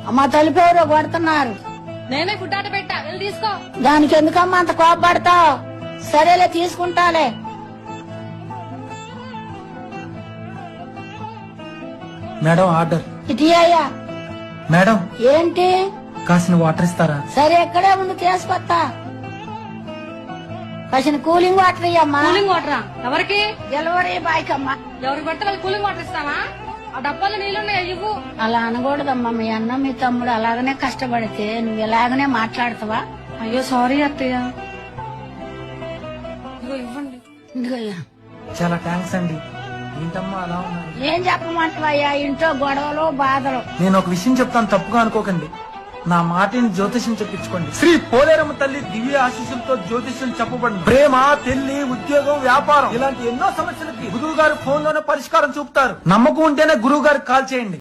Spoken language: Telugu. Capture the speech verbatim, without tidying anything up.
అమ్మ తలుపు ఎవరో కొడుతున్నారు. నేనే ఫుడ్ ఆర్డర్ పెట్టా, వెళ్ళి తీసుకో. దానికి ఎందుకమ్మా అంత కోపడతావు? సరేలే తీసుకుంటాలే. Madam order. ఇటీ అయ్యా. మేడం ఏంటి? కాసిన వాటర్ ఇస్తారా? సరే ఎక్కడే ముందు తీసుకొస్తా. కాసిన కూలింగ్ వాటర్ ఇయ్యమ్మా. కూలింగ్ వాటరా? ఎవరికి? డెలివరీ బాయ్ కమ్మా. ఎవరికి పడితే వాళ్ళు కూలింగ్ వాటర్ ఇస్తావా? ఆ డబ్బాలో నీళ్ళున్నాయా? ఇవ్వు. అలా అనకూడదమ్మా. మీ అన్న మీ తమ్ముడు అలాగనే కష్టపడితే నువ్వు ఇలాగనే మాట్లాడతావా? అయ్యో సారీ అత్తయ్య. ఇదిగో ఇవ్వండి. ఇదిగోయ్యా. చాలా థ్యాంక్స్ అండి. ఏంటమ్మా అలా ఉన్నారు? ఏం చెప్పమంటావయ్యా, ఇంట్లో గొడవలు బాధలు. నేను ఒక విషయం చెప్తాను, తప్పుగా అనుకోకండి. నా మాటిని జ్యోతిష్యం చెప్పించుకోండి. శ్రీ పోలేరమ్మ తల్లి దివ్య ఆశీస్సులతో జ్యోతిష్యం చెప్పబడింది. ప్రేమ, పెళ్లి, ఉద్యోగం, వ్యాపారం ఇలాంటి ఎన్నో సమస్యలకి గురువు గారు ఫోన్ లోనే పరిష్కారం చూపుతారు. నమ్మకం ఉంటేనే గురువు గారికి కాల్ చేయండి.